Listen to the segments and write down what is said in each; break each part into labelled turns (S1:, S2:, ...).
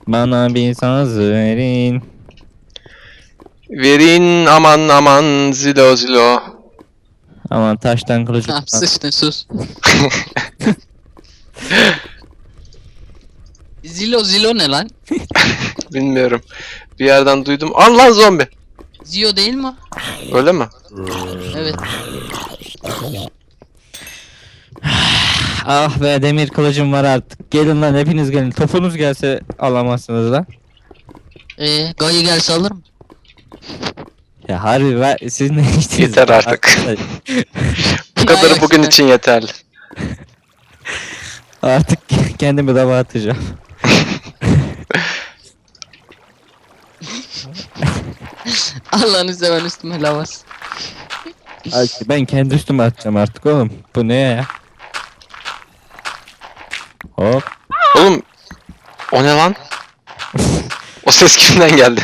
S1: Bana bir saz verin.
S2: Verin aman aman zilo zilo.
S1: Aman taştan kılıcı
S3: Tamam
S1: kullan.
S3: sıçtın sus. Zilo ne lan?
S2: Bilmiyorum. Bir yerden duydum. Allah zombi.
S3: Zio değil mi o?
S2: Öyle mi?
S3: Evet.
S1: Ah be, demir kılıcım var artık. Gelin lan, hepiniz gelin. Topunuz gelse alamazsınız lan.
S3: Gayı gelse alır mı?
S1: Ya harbi siz ne içtiniz?
S2: Yeter artık. Bu kadarı bugün için yeterli.
S1: Artık kendimi dava atacağım.
S3: Allah'ını seven üstüme lavas.
S1: Ben kendi üstüme atacağım artık oğlum. Bu ne ya? Hop.
S2: Oğlum o ne lan? O ses kimden geldi?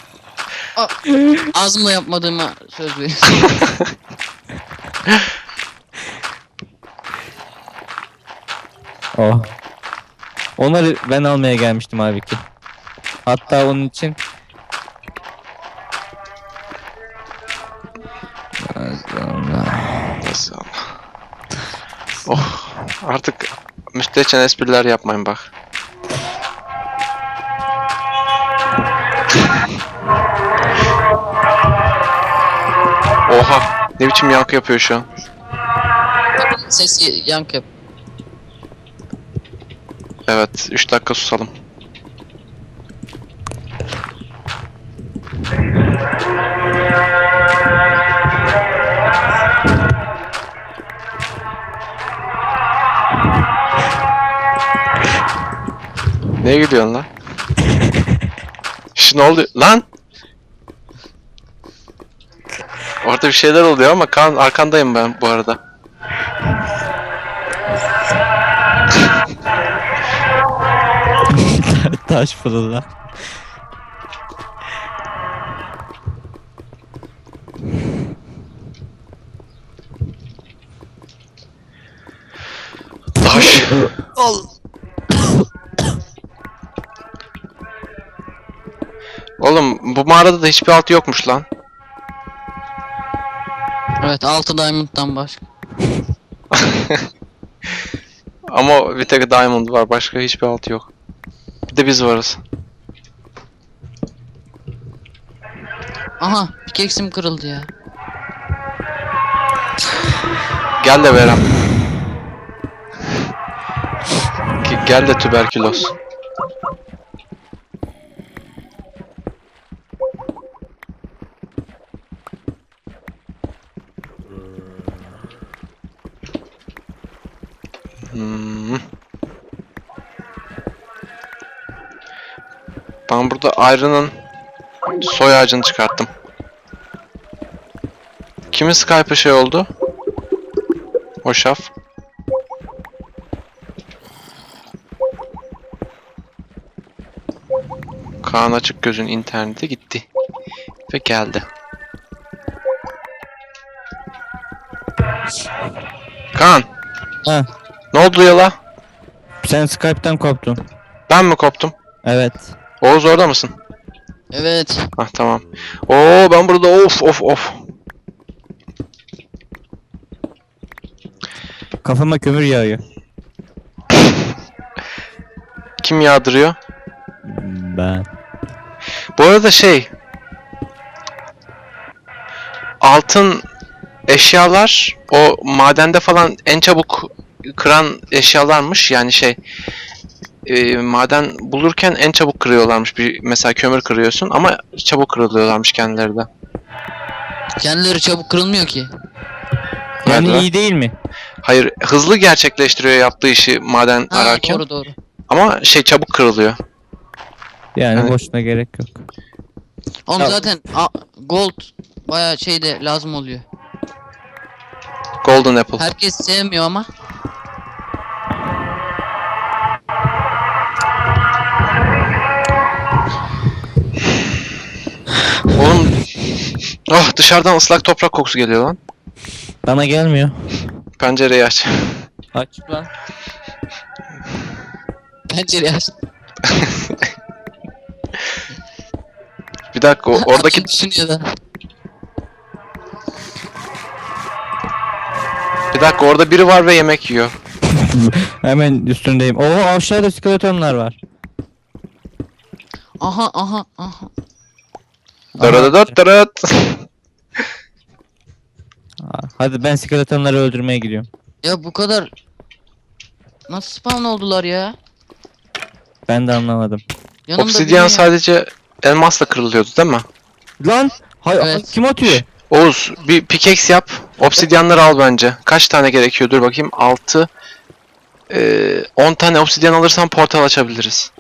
S3: Ağzımla yapmadığıma söz veriyorum.
S1: Oh. Onları ben almaya gelmiştim abi ki. Hatta onun için
S2: Nasıl ama? Oh artık müstehcen espriler yapmayın bak. Oha ne biçim yankı yapıyor şu an.
S3: Sesi yankı yap.
S2: Evet 3 dakika susalım. Neye gidiyorsun lan? Ne oluyor lan? Orada bir şeyler oluyor ama Kaan arkandayım ben bu arada.
S1: taş fırında.
S2: Taş. Oğlum bu mağarada da hiçbir altı yokmuş lan.
S3: Evet 6 diamond'dan başka.
S2: Ama bir tek diamond var, başka hiçbir altı yok. Bir de biz varız.
S3: Aha pickaxe'im kırıldı ya.
S2: Gel de Verem. Gel de tüberküloz. Ben burada Iron'ın soy ağacını çıkarttım. Kimin Skype'ı şey oldu? O şaf. Kaan açık gözün internete gitti. Ve geldi. Kaan.
S1: Ha,
S2: Ne oldu ya la?
S1: sen Skype'tan koptun.
S2: Ben mi koptum?
S1: Evet.
S2: Oğuz orada mısın?
S3: Evet.
S2: Ah tamam. Oo ben burada of.
S1: Kafama kömür yağıyor.
S2: Kim yağdırıyor?
S1: Ben.
S2: Bu arada altın eşyalar o madende falan en çabuk kıran eşyalarmış. Yani maden bulurken en çabuk kırıyorlarmış. Mesela kömür kırıyorsun ama çabuk kırılıyorlarmış kendileri de.
S3: Kendileri çabuk kırılmıyor ki.
S1: Yani
S2: Nerede?
S1: iyi değil mi?
S2: Hayır, hızlı gerçekleştiriyor yaptığı işi maden
S3: Ha
S2: ararken.
S3: doğru.
S2: Ama çabuk kırılıyor.
S1: Yani
S2: Evet.
S1: boşuna gerek yok.
S3: Oğlum
S1: Ya-
S3: zaten gold bayağı şeyde lazım oluyor.
S2: Golden Apple.
S3: Herkes sevmiyor ama.
S2: Oğlum dışarıdan ıslak toprak kokusu geliyor lan.
S1: Bana gelmiyor.
S2: Pencereyi aç.
S1: Aç lan.
S3: Pencereyi aç.
S2: dakika oradaki
S3: Adam düşünüyor da.
S2: bir dakika orada biri var ve yemek yiyor.
S1: Hemen üstündeyim. Oo, aşağıda skeletonlar var.
S3: Aha aha aha.
S2: Dırıdıdıt dırıt.
S1: Hadi ben skeletonları öldürmeye gidiyorum.
S3: Ya bu kadar nasıl spawn oldular ya?
S1: Ben de anlamadım.
S3: Yanımda
S2: Obsidyen
S3: biri ya.
S2: sadece elmasla kırılıyordu değil mi?
S1: Lan!
S3: Evet.
S1: Kim atıyor?
S2: Oğuz bir pickaxe yap. Obsidyenleri al bence. Kaç tane gerekiyor? Dur bakayım. 6 10 tane obsidyen alırsan portal açabiliriz.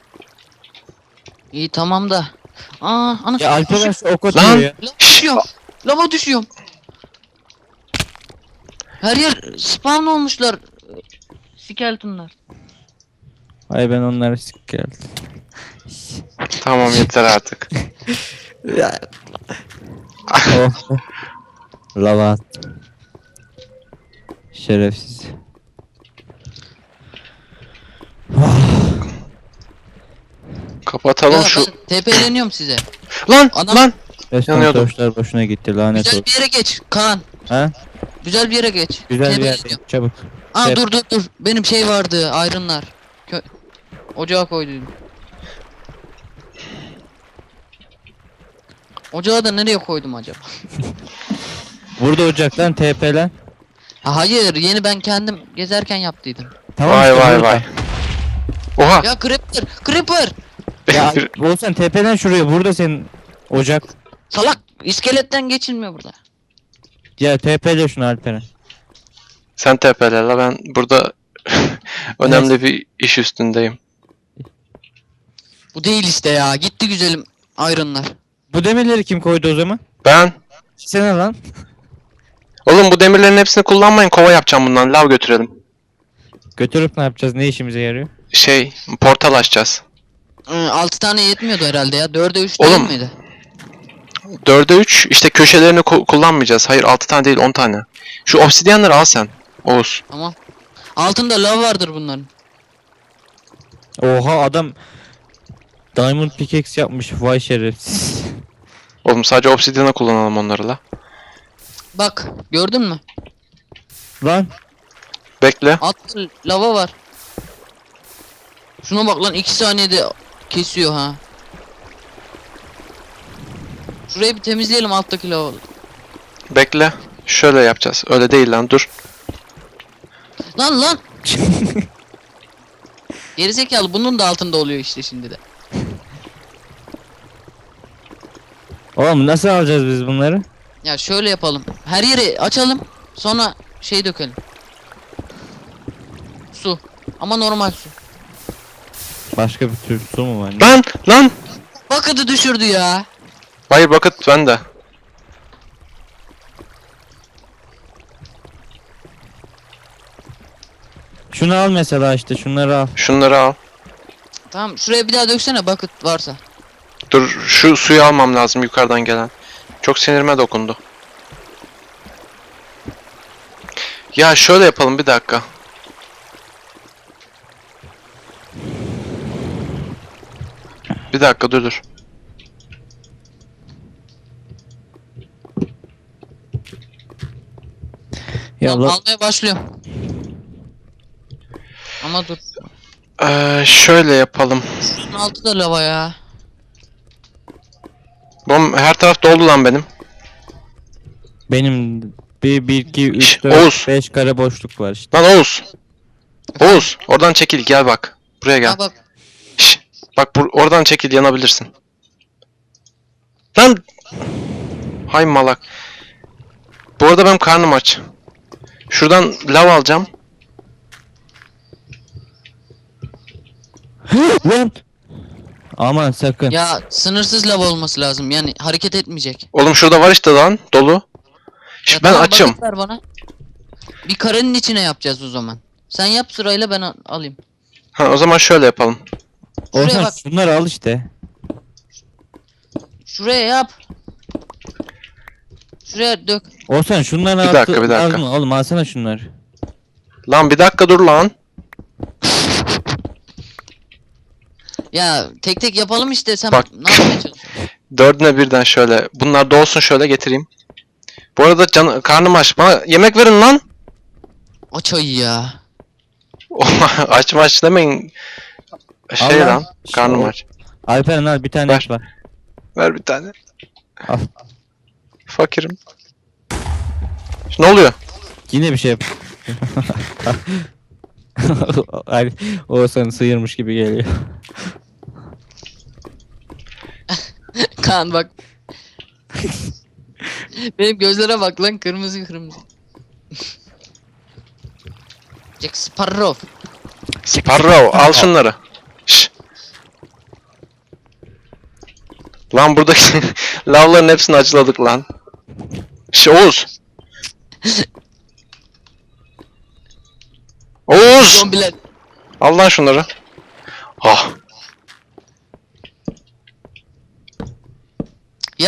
S3: İyi tamam da. Aa ana.
S1: Ya Alperen şu ok
S2: Lan!
S1: atıyor ya.
S3: Lava düşüyor. Lava düşüyorum. Her yer spawn olmuşlar. Skeletonlar.
S1: Ay ben onları geldim.
S2: Tamam yeter artık.
S1: Oh. Lava at. Şerefsiz.
S2: Kapatalım
S3: Ya
S2: şu.
S3: ben TP'leniyorum size.
S2: Lan
S3: Adam-
S2: lan.
S1: Resmen
S2: Yanıyordum.
S1: torçlar boşuna gitti lanet
S3: Güzel
S1: olsun.
S3: bir yere geç Kaan.
S1: Ha?
S3: Güzel bir yere geç.
S1: Güzel bir
S3: TP'leniyorum.
S1: yer. Çabuk.
S3: Aa
S1: Şey-
S3: dur. Benim şey vardı ayrınlar. Ocağa koydum. Ocağı da nereye koydum acaba?
S1: Burada ocaktan TP'len.
S3: Ha, hayır yeni ben kendim gezerken yaptıydım.
S1: Tamam
S2: Vay
S1: işte
S2: vay
S1: burada.
S2: vay. Oha.
S3: Ya Creeper!
S1: Ya olsan TP'len şuraya. Burada senin ocak.
S3: Salak! İskeletten geçilmiyor burada.
S1: Ya TP'le şunu Alperen.
S2: Sen tepele la, ben burada önemli bir iş üstündeyim.
S3: Bu değil işte ya. Gitti güzelim ayrınlar.
S1: Bu demirleri kim koydu o zaman?
S2: Ben
S1: Sen lan.
S2: oğlum bu demirlerin hepsini kullanmayın, kova yapacağım bundan, lav götürelim.
S1: Götürüp ne yapacağız? Ne işimize yarıyor?
S2: Portal açacağız.
S3: 6 tane yetmiyordu herhalde ya. 4'e 3
S2: Oğlum.
S3: değil miydi?
S2: 4'e 3 işte köşelerini kullanmayacağız. Hayır 6 tane değil 10 tane. Şu obsidyenleri al sen Oğuz.
S3: Tamam. Altında lav vardır bunların.
S1: Oha adam Diamond pickaxe yapmış. Vay şerefsiz.
S2: Oğlum sadece obsidyana kullanalım onları la.
S3: Bak gördün mü?
S1: Lan
S2: Bekle.
S3: Altta lava var. Şuna bak lan 2 saniyede kesiyor ha. Şurayı bir temizleyelim alttaki lavaları.
S2: Bekle. Şöyle yapacağız. Öyle değil lan, dur.
S3: Lan! Gerizekalı bunun da altında oluyor işte şimdi de.
S1: oğlum nasıl alacağız biz bunları?
S3: Ya şöyle yapalım. Her yeri açalım. Sonra şey dökelim. Su. Ama normal su.
S1: Başka bir tür su mu var?
S2: Lan!
S3: Bucket'ı düşürdü ya.
S2: Hayır bucket bende.
S1: Şunu al mesela işte şunları al.
S2: Şunları al.
S3: Tamam şuraya bir daha döksene bucket varsa.
S2: Dur şu suyu almam lazım yukarıdan gelen. Çok sinirime dokundu. Ya şöyle yapalım, bir dakika. Bir dakika dur.
S1: Ya
S3: Tamam,
S1: la-
S3: almaya başlıyorum. Ama dur.
S2: Şöyle yapalım.
S3: Şunun altı da lava ya.
S2: Oğlum her taraf doldu lan benim.
S1: benim 1 2
S2: Şş,
S1: 3 4
S2: Oğuz.
S1: 5 kare boşluk var işte.
S2: Lan Oğuz. Oğuz oradan çekil, gel bak. Buraya gel.
S3: Ha bak.
S2: Şş, bak oradan çekil, yanabilirsin. Lan. Hay malak. Bu arada benim karnım aç. Şuradan lav alacağım.
S1: Lan! Aman sakın.
S3: Ya sınırsız lava olması lazım. Yani hareket etmeyecek.
S2: Oğlum şurada var işte lan, dolu.
S3: Ya
S2: Şş, ben
S3: tamam,
S2: açım.
S3: bucket ver bana. Bir karenin içine yapacağız o zaman. Sen yap sırayla ben alayım.
S2: Ha, o zaman şöyle yapalım.
S3: Şuraya
S1: Orhan
S3: bak.
S1: şunları al işte.
S3: Şuraya yap. Şuraya dök.
S1: Orhan şunları
S2: Bir
S1: al.
S2: dakika, bir dakika.
S1: Oğlum alsana şunları.
S2: Lan bir dakika dur lan.
S3: Ya tek tek yapalım işte sen
S2: Bak.
S3: ne yapmaya çalışıyorsun?
S2: Dördüne birden şöyle. Bunlar da olsun, şöyle getireyim. Bu arada karnım aç. Bana yemek verin lan.
S3: Aç ayı ya.
S2: Aç demeyin. Şey
S1: Allah.
S2: lan. Karnım
S1: O-
S2: aç.
S1: Alperen al bir tane
S2: Ver.
S1: et var.
S2: Ver bir tane.
S1: Al.
S2: Fakirim. Ne oluyor?
S1: Yine bir şey yap. Ay, o seni sıyırmış gibi geliyor.
S3: Kaan bak. Benim gözlere bak lan, kırmızı kırmızı. Jack Sparrow.
S2: Sparrow al şunları. Şş. Lan buradaki lavların hepsini acıladık lan. Oğuz. Oğuz.
S3: Zombiler.
S2: Al lan şunları. Ah.
S3: Ya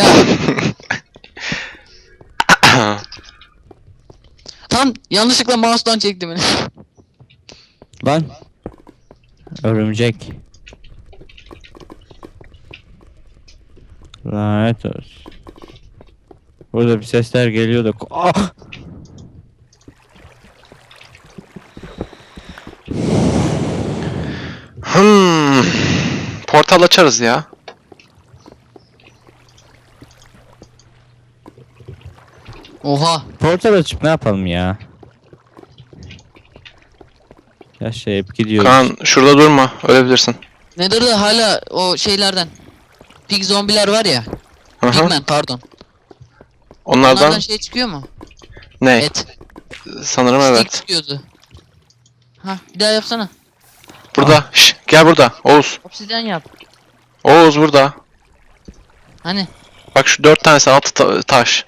S3: tam yanlışlıkla mouse'dan çektim beni.
S1: Lan. Örümcek. Lanet olsun. Burada bir sesler geliyor da. Ah!
S2: Portal açarız ya.
S3: Oha.
S1: Portal açıp ne yapalım ya? Yaşayıp gidiyoruz.
S2: Kaan şurada durma. Ölebilirsin.
S3: Nether'da hala o şeylerden. Pig zombiler var ya.
S2: Hı hı.
S3: Pigmen pardon.
S2: Onlardan
S3: Onlardan şey çıkıyor mu?
S2: ne?
S3: Et.
S2: Sanırım
S3: Steak
S2: evet.
S3: çıkıyordu. Ha bir daha yapsana.
S2: Burada. Şş, gel burada. Oğuz.
S3: Obsidyen yap.
S2: Oğuz burada.
S3: Hani?
S2: Bak şu 4 tanesi altı taş.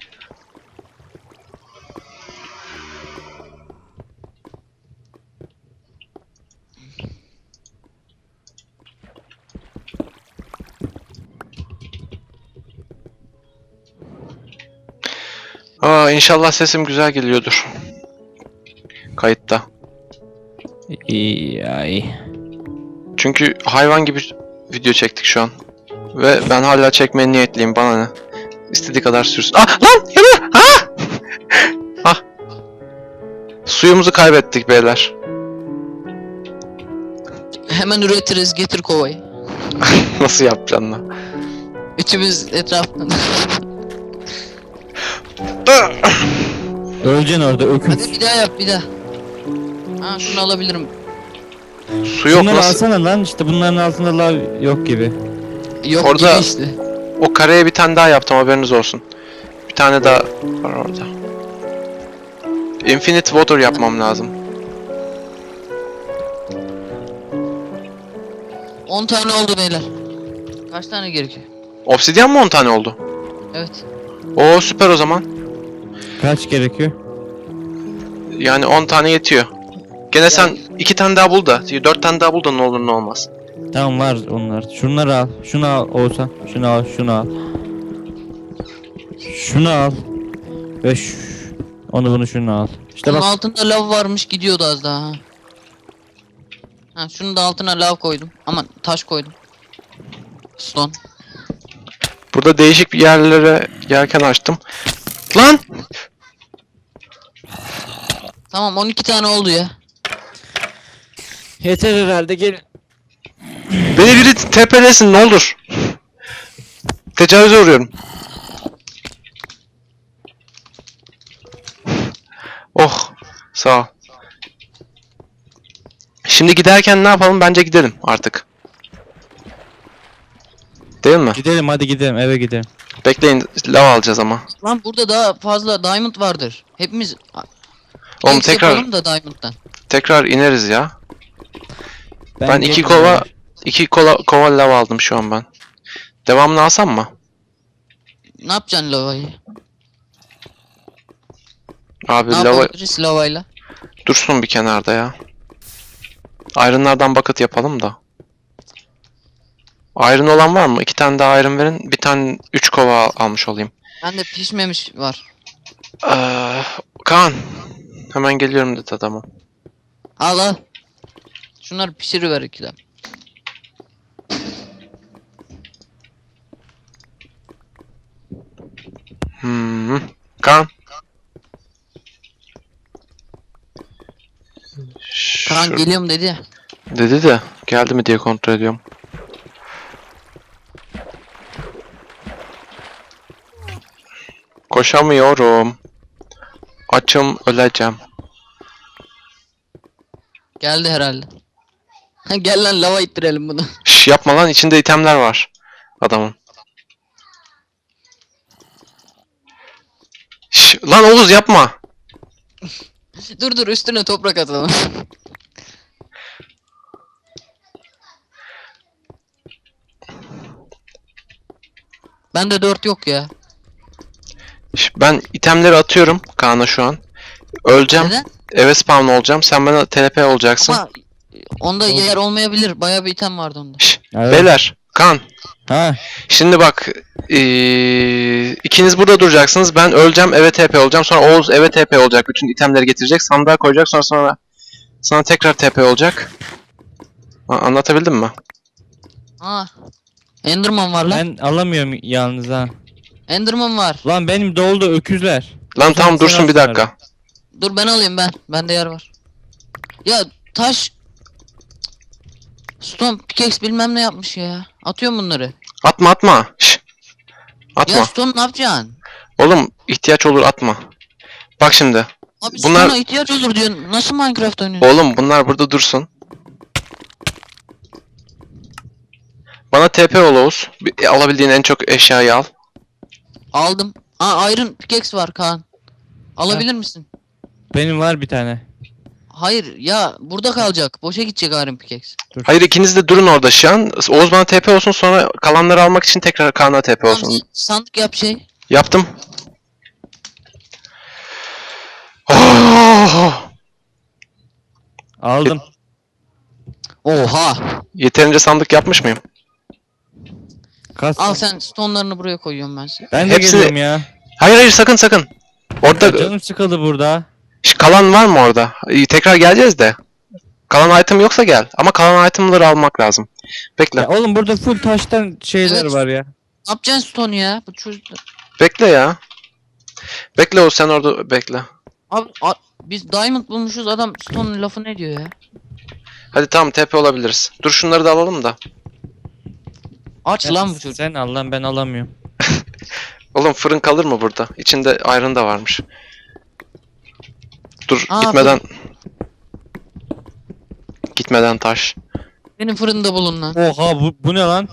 S2: Aa, inşallah sesim güzel geliyordur. Kayıtta.
S1: İyi ay.
S2: Çünkü hayvan gibi video çektik şu an. Ve ben hala çekmeye niyetliyim, bana ne. İstediği kadar sürsün. Ah lan! Yanıyor! Ah! Ah! Suyumuzu kaybettik beyler.
S3: Hemen üretiriz, getir kovayı.
S2: Nasıl yapacaksın lan?
S3: Üçümüz etrafında.
S1: Öleceksin orada öküz.
S3: Hadi bir daha yap, bir daha. Ha şunu alabilirim.
S2: Su yok,
S1: Şunları
S2: nasıl?
S1: alsana lan, işte bunların altında lav yok gibi.
S3: Yok
S2: Orada-
S3: gibi işte.
S2: O kareye bir tane daha yaptım, haberiniz olsun. Bir tane daha var orada. Infinite water yapmam lazım.
S3: 10 tane oldu beyler. Kaç tane gerekiyor?
S2: Obsidyen mi 10 tane oldu?
S3: Evet.
S2: Oo süper o zaman.
S1: Kaç gerekiyor?
S2: Yani 10 tane yetiyor. Gene sen 2 tane daha bul da, 4 tane daha bul da ne olur ne olmaz.
S1: Tamam var onlar. Şunları al. Şunu al Oğuzhan. Şunu al. Şunu al. Şunu al. Ve onu bunu şunu al. İşte
S3: Bunun
S1: bak.
S3: altında lav varmış, gidiyordu az daha. Ha. Ha şunu da altına lav koydum. Ama taş koydum. Stone.
S2: Burada değişik bir yerlere yelken açtım. Lan!
S3: Tamam 12 tane oldu ya.
S1: Yeter herhalde, gelin.
S2: Beni biri tepelesin ne olur. Tecavüze uğruyorum. Oh, sağ ol. Şimdi giderken ne yapalım? Bence gidelim artık. Değil mi?
S1: Gidelim, hadi gidelim, eve gidelim.
S2: Bekleyin, lav alacağız ama.
S3: Lan burada daha fazla diamond vardır. Hepimiz
S2: Oğlum
S3: X
S2: tekrar
S3: yapalım da diamond'dan.
S2: tekrar ineriz ya. Ben iki
S1: geliyorum
S2: kova
S1: ya.
S2: kova lav aldım şu an ben. Devamını alsam mı?
S3: Ne yapacaksın lavayı?
S2: Abi
S3: Ne
S2: lava
S3: yapabiliriz lavayla?
S2: dursun bir kenarda ya. Iron'lardan bucket yapalım da. Iron olan var mı? 2 tane daha iron verin. Bir tane 3 kova almış olayım.
S3: Bende pişmemiş var.
S2: Kaan. Hemen geliyorum dedi adamı.
S3: Al al. Şunları pişiriver 2 dakika.
S2: Kaan.
S3: Kaan
S2: Şur-
S3: geliyorum dedi ya.
S2: dedi de geldi mi diye kontrol ediyorum. Koşamıyorum. Açım, öleceğim.
S3: Geldi herhalde. Gel lan lava ittirelim bunu.
S2: Şş, yapma lan, içinde itemler var adamın. Şş, lan Oğuz yapma.
S3: Dur üstüne toprak atalım. Bende 4 yok ya.
S2: Şş, ben itemleri atıyorum Kaan'a şu an. Öleceğim.
S3: Neden?
S2: Eve spawn olacağım. Sen bana TP olacaksın.
S3: Ama onda yer olmayabilir. Bayağı bir item vardı onda.
S2: Şş,
S1: Evet.
S2: beyler, Kaan.
S1: Ha.
S2: Şimdi bak, ikiniz burada duracaksınız. Ben öleceğim, eve TP olacağım. Sonra Oğuz eve TP olacak. Bütün itemleri getirecek. Sandığa koyacak. Sonra sana tekrar TP olacak. Anlatabildim mi?
S3: Ha. Enderman var lan.
S1: Ben alamıyorum yalnız ha.
S3: Enderman var.
S1: Lan benim doldu öküzler.
S2: Lan tamam,
S1: sen
S2: dursun bir
S1: al
S2: dakika.
S3: Dur ben alayım ben. Bende yer var. Ya taş. Stone pickaxe bilmem ne yapmış ya. Atıyorum bunları.
S2: Atma. Şş. Atma.
S3: Ya stone ne yapacaksın?
S2: Oğlum ihtiyaç olur, atma. Bak şimdi.
S3: Abi
S2: Bunlar-
S3: stone'a ihtiyaç olur diyorsun. Nasıl Minecraft oynuyorsun?
S2: Oğlum bunlar burada dursun. Bana TP ol Oğuz. Alabildiğin en çok eşyayı al.
S3: Aldım. Aa iron pickaxe var Kaan. Alabilir misin?
S1: Benim var bir tane.
S3: Hayır ya burada kalacak. Boşa gidecek iron pickaxe.
S2: Hayır, ikiniz de durun orada şu an. Oğuz bana TP olsun, sonra kalanları almak için tekrar Kaan'a TP
S3: Tamam,
S2: olsun.
S3: sen sandık yap şey.
S2: Yaptım. Oh!
S1: Aldım.
S3: Oha.
S2: Yeterince sandık yapmış mıyım?
S1: Kas.
S3: Al sen stone'larını buraya koyuyorum ben sana.
S1: Ben de
S2: Hepsini-
S1: geliyorum ya.
S2: Hayır sakın. Orada
S1: Ya canım sıkıldı burada.
S2: kalan var mı orada? Tekrar geleceğiz de. Kalan item yoksa gel. Ama kalan itemları almak lazım. Bekle.
S1: Ya oğlum burada full taştan şeyler
S3: Evet.
S1: var ya.
S3: Ne yapacaksın stone ya? Bu çocuk...
S2: Bekle ya. Bekle Oğuz, sen orada bekle.
S3: Abi biz diamond bulmuşuz adam stone'un lafı ne diyor ya?
S2: Hadi tamam, TP olabiliriz. Dur şunları da alalım da.
S3: Aç lan bu çocuk.
S1: Sen al lan, ben alamıyorum.
S2: Oğlum fırın kalır mı burada? İçinde iron da varmış. Dur
S3: Aa,
S2: gitmeden. Gitmeden taş.
S3: Benim fırında bulun lan.
S1: Oha bu ne lan?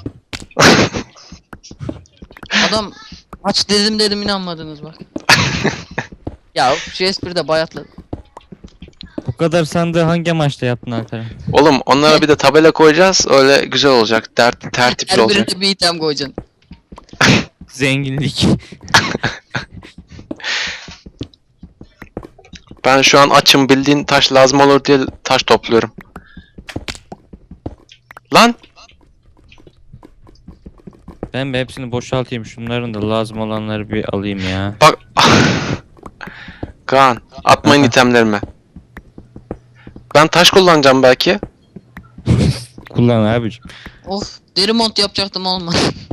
S3: Adam aç dedim inanmadınız bak. Ya şu espri de bayatladı.
S1: Bu kadar sandığı hangi amaçla yaptın Alperen?
S2: Oğlum onlara bir de tabela koyacağız. Öyle güzel olacak. Tertipli
S3: Her
S2: olacak.
S3: birine bir item koyacaksın.
S1: Zenginlik.
S2: Ben şu an açım, bildiğin taş lazım olur diye taş topluyorum. Lan!
S1: Ben bir hepsini boşaltayım. Şunların da lazım olanları bir alayım ya.
S2: Bak. Kaan, atmayın itemlerime. Ben taş kullanacağım belki.
S1: Kullan abicim.
S3: Of deri mont yapacaktım olmadı.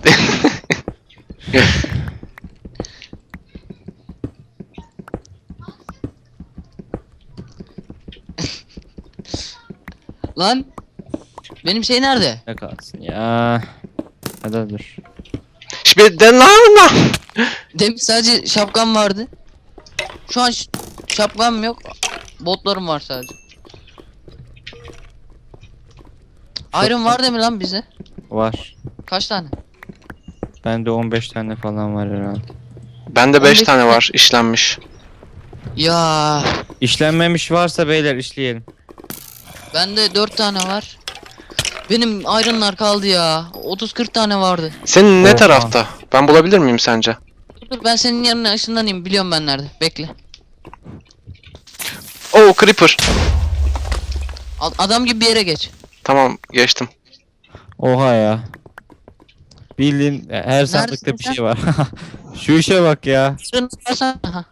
S3: Lan benim şey nerede?
S1: Ne kalsın ya. Hadi dur.
S2: Şimdi den lan.
S3: Demin sadece şapkam vardı. Şu an şapkam yok. Botlarım var sadece. Iron var değil mi lan bize?
S1: Var.
S3: Kaç tane?
S1: Bende 15 tane falan var herhalde.
S2: Bende 5
S3: 15
S2: tane var işlenmiş.
S3: Ya
S1: İşlenmemiş varsa beyler işleyelim.
S3: bende 4 tane var. Benim iron'lar kaldı ya. 30-40 tane vardı.
S2: Senin ne
S1: Oha.
S2: tarafta? Ben bulabilir miyim sence?
S3: Dur ben senin yanına ışınlanayım. Biliyorum ben nerede. Bekle.
S2: Oo, creeper.
S3: Adam gibi bir yere geç.
S2: Tamam, geçtim.
S1: Oha ya. Bildiğin her sandıkta bir
S3: sen?
S1: şey var. Şu işe bak ya.
S3: Fırın varsa... Aha.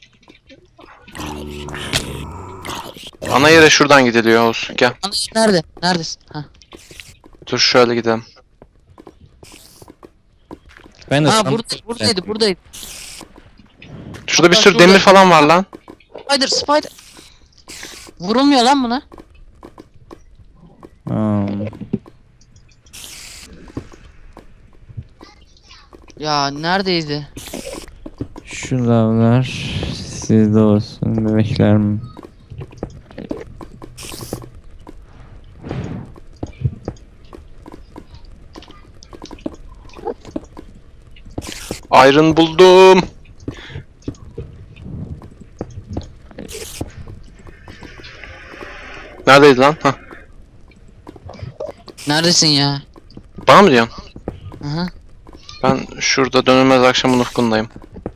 S2: Ana yere şuradan gidiliyor Oğuz. Gel.
S3: Nerede? Neredesin? Ha.
S2: Dur şöyle gidelim.
S1: Ben de
S3: Ha
S1: sandık-
S3: buradaydı.
S2: Şurada bir
S3: Hatta
S2: sürü
S3: şurada-
S2: demir falan var lan.
S3: Spider. Vurulmuyor lan buna.
S1: Hmm.
S3: Ya neredeydi?
S1: Şu lavlar sizde olsun bebeklerim.
S2: Iron buldum. Neredeydi lan? Hah.
S3: Neredesin ya?
S2: Bana mı diyorsun?
S3: Aha.
S2: Ben şurada dönülmez akşamın ufkundayım.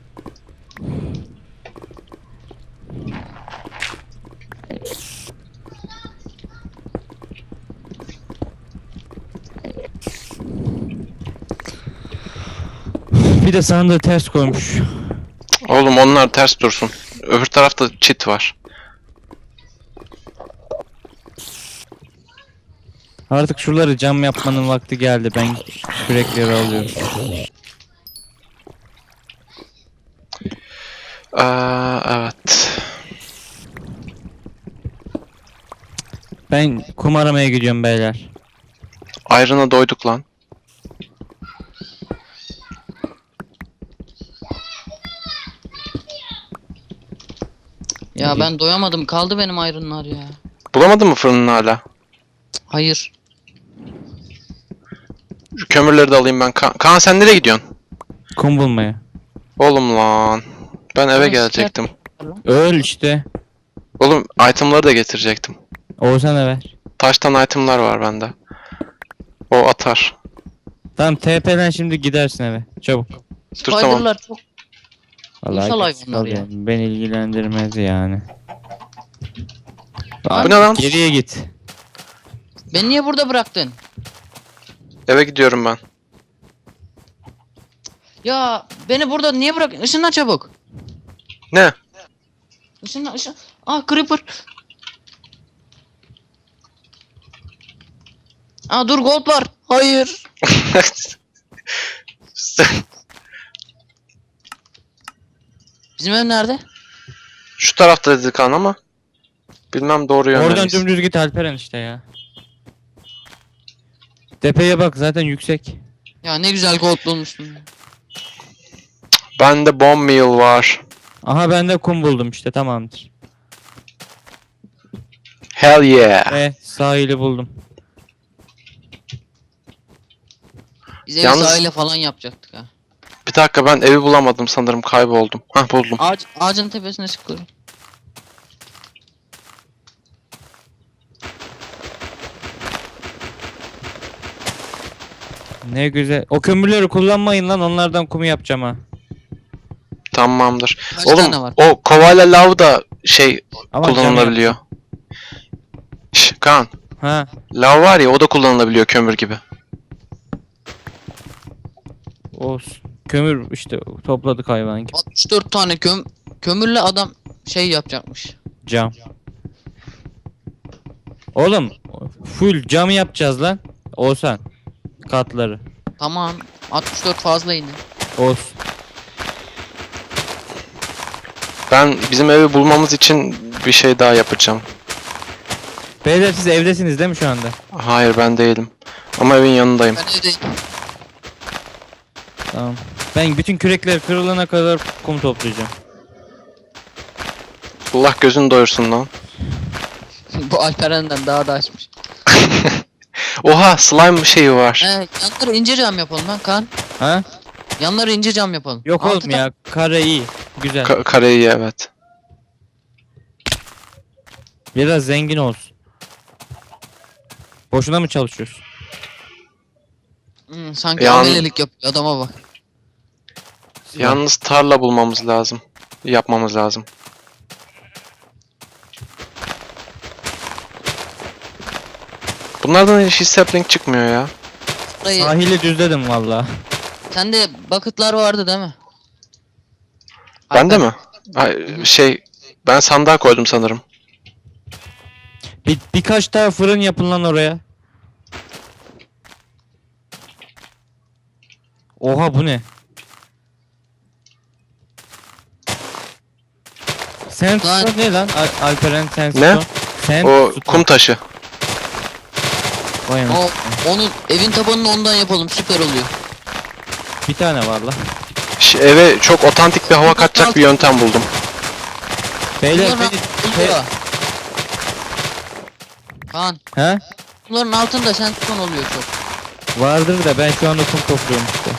S1: Bir de sandığı ters koymuş.
S2: Oğlum onlar ters dursun. Öbür tarafta çit var.
S1: Artık şuraları cam yapmanın vakti geldi. Ben kürekleri alıyorum.
S2: Evet.
S1: Ben kum aramaya gidiyorum beyler.
S2: Iron'a doyduk lan.
S3: Ya ben doyamadım. Kaldı benim ayrınlar ya.
S2: Bulamadın mı fırının hala?
S3: Hayır.
S2: Şu kömürleri de alayım ben. Kaan sen nereye gidiyorsun?
S1: Kum bulmaya.
S2: Oğlum lan. Ben eve
S3: Oğlum,
S2: gelecektim.
S1: Öl işte.
S2: Oğlum itemları da getirecektim.
S1: Oğuzhan'a ver.
S2: Taştan itemlar var bende. O atar.
S1: Tamam TP'den şimdi gidersin eve. Çabuk.
S2: Dur tamam.
S3: Spider'lar çok.
S1: Vallahi
S3: İnşallah
S1: git,
S3: hayvanlar ya.
S1: alıyorum. Beni ilgilendirmez yani.
S2: Bu ne lan?
S1: Geriye git.
S3: Beni niye burada bıraktın?
S2: Eve gidiyorum ben.
S3: Ya beni burada niye bıraktın? Işınlan çabuk.
S2: Ne?
S3: Işınlan. Ah Creeper. Aa dur gold var. Hayır. Bizim ev nerede?
S2: Şu tarafta dedi Kaan ama. Bilmem doğru yönde
S1: Oradan
S2: miyiz?
S1: dümdüz git Alperen işte ya. Tepeye bak zaten yüksek.
S3: Ya ne güzel gold bulmuştum.
S2: Bende bomb meal var.
S1: Aha ben de kum buldum işte tamamdır.
S2: Hell yeah.
S1: Sahili buldum.
S3: Biz evi
S2: Yalnız-
S3: sahile falan yapacaktık ha.
S2: Bir dakika ben evi bulamadım sanırım kayboldum. Hah buldum.
S3: Ağacın tepesine çıkıyorum.
S1: Ne güzel. O kömürleri kullanmayın lan onlardan kumu yapacağım ha.
S2: Tamamdır.
S3: Kaç
S2: Oğlum
S3: tane var?
S2: o kovayla lav da şey
S1: Ama cam
S2: kullanılabiliyor. Şş, Kaan.
S1: yap- Ha.
S2: Lav var ya o da kullanılabiliyor kömür gibi.
S1: Olsun. Kömür işte topladık hayvan gibi.
S3: 64 tane kömürle adam şey yapacakmış.
S1: Cam. Oğlum full cam yapacağız lan. Olsan. Katları.
S3: Tamam. 64 fazla yine.
S1: Olsun.
S2: Ben bizim evi bulmamız için bir şey daha yapacağım.
S1: Beyler siz evdesiniz değil mi şu anda?
S2: Hayır ben değilim. Ama evin yanındayım.
S3: Ben evdeyim.
S1: Tamam. Ben bütün kürekler kırılana kadar kum toplayacağım.
S2: Allah gözünü doyursun lan.
S3: Bu Alperen'den daha da açmış.
S2: Oha slime şeyi var.
S3: Yanları ince cam yapalım lan Kaan.
S1: Ha?
S3: Yanları ince cam yapalım.
S1: Yok
S3: Altı
S1: oğlum ya. Kare iyi. Güzel.
S2: Kareyi evet.
S1: Biraz zengin olsun. Boşuna mı çalışıyorsun?
S3: Sanki
S2: Yan-
S3: amelelik yapıyor adama bak.
S2: Yalnız tarla bulmamız lazım. Yapmamız lazım. Bunlardan hiç sapling çıkmıyor ya.
S3: Dayı,
S1: Sahili düzledim valla.
S3: sende bucket'lar vardı değil mi?
S2: Bende mi? Ay, şey ben sandığa koydum sanırım.
S1: Birkaç daha fırın yapın lan oraya. Oha bu ne? Sandstone ne lan? Alperen Sandstone.
S2: Ne? O
S1: Sandstone.
S2: kum taşı.
S1: Vay anasını.
S3: Onu evin tabanını ondan yapalım, süper oluyor.
S1: Bir tane var lan.
S2: Eve çok otantik bir hava katacak bir yöntem buldum.
S1: Beyler
S3: Bunların
S1: beni...
S3: altında. Kaan,
S1: He?
S3: bunların altında sandstone oluyor çok.
S1: Vardır da ben şu anda kum topluyorum işte.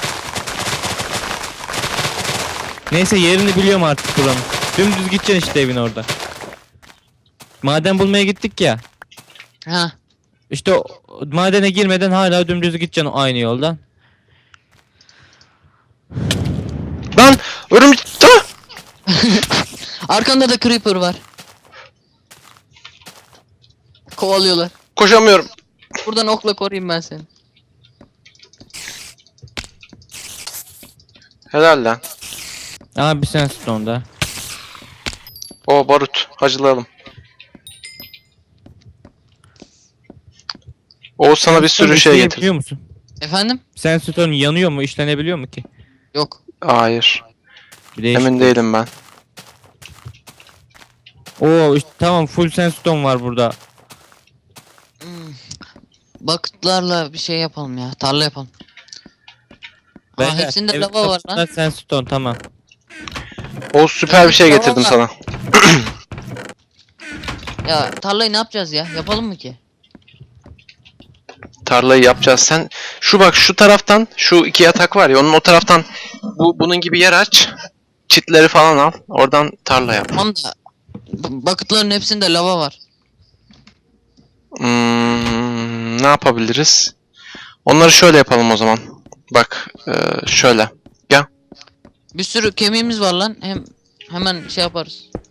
S1: Neyse yerini biliyorum artık buranın. Dümdüz gideceksin işte evin orada. Maden bulmaya gittik ya.
S3: Ha.
S1: İşte madene girmeden hala dümdüz gideceksin aynı yoldan.
S2: Lan örümcek. Ah!
S3: Arkanda da creeper var. Kovalıyorlar.
S2: Koşamıyorum.
S3: Buradan okla koruyayım ben seni.
S2: Helal lan.
S1: Abi Sandstone'da.
S2: O barut. Hacılayalım. Oğuz sana bir sürü şey getirdim.
S1: Biliyor musun?
S3: Efendim?
S1: Sandstone yanıyor mu? İşlenebiliyor mu ki?
S3: Yok.
S2: Hayır.
S1: Bir değişik.
S2: Emin değilim ben.
S1: Oo işte, tamam full sandstone var burada.
S3: Bucket'larla bir şey yapalım ya. Tarla yapalım.
S1: Beyler,
S3: Hepsinde
S1: evin
S3: lava var
S1: kapısında
S3: lan.
S2: Şey
S1: Sandstone tamam.
S2: Oğuz süper bir şey
S3: Tamam
S2: getirdim
S3: lan.
S2: sana.
S3: Ya tarlayı ne yapacağız ya? Yapalım mı ki?
S2: Tarlayı yapacağız. Sen şu bak şu taraftan şu iki yatak var ya onun o taraftan bunun gibi yer aç. Çitleri falan al. Oradan tarla yap.
S3: Tamam da bucket'ların hepsinde lava var.
S2: Ne yapabiliriz? Onları şöyle yapalım o zaman. Bak şöyle.
S3: Bir sürü kemiğimiz var lan. Hemen şey yaparız.